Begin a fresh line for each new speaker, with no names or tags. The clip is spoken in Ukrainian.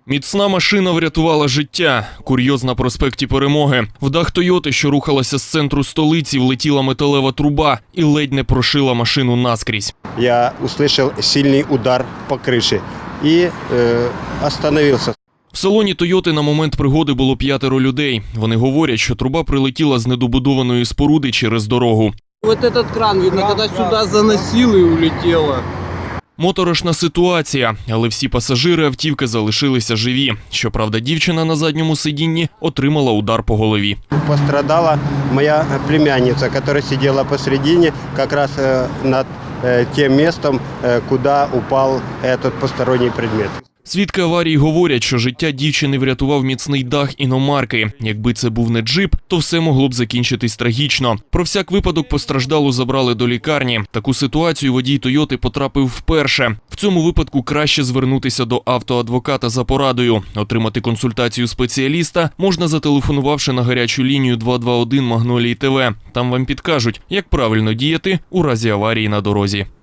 Міцна машина врятувала життя. Курйоз на проспекті Перемоги. В дах «Тойоти», що рухалася з центру столиці, влетіла металева труба і ледь не прошила машину наскрізь.
Я услышал сильный удар по крыше и остановился.
В салоні «Тойоти» на момент пригоди було 5 людей. Вони говорять, що труба прилетіла з недобудованої споруди через дорогу.
Вот этот кран, видно, когда сюда заносило и улетело.
Моторошна ситуація, але всі пасажири автівки залишилися живі. Щоправда, дівчина на задньому сидінні отримала удар по голові.
Пострадала моя племянница, которая сидела посредине, как раз над тем местом, куда упал этот посторонний предмет.
Свідки аварії говорять, що життя дівчини врятував міцний дах іномарки. Якби це був не джип, то все могло б закінчитись трагічно. Про всяк випадок постраждалу забрали до лікарні. Таку ситуацію водій «Тойоти» потрапив вперше. В цьому випадку краще звернутися до автоадвоката за порадою. Отримати консультацію спеціаліста можна, зателефонувавши на гарячу лінію 221 Магнолії ТВ. Там вам підкажуть, як правильно діяти у разі аварії на дорозі.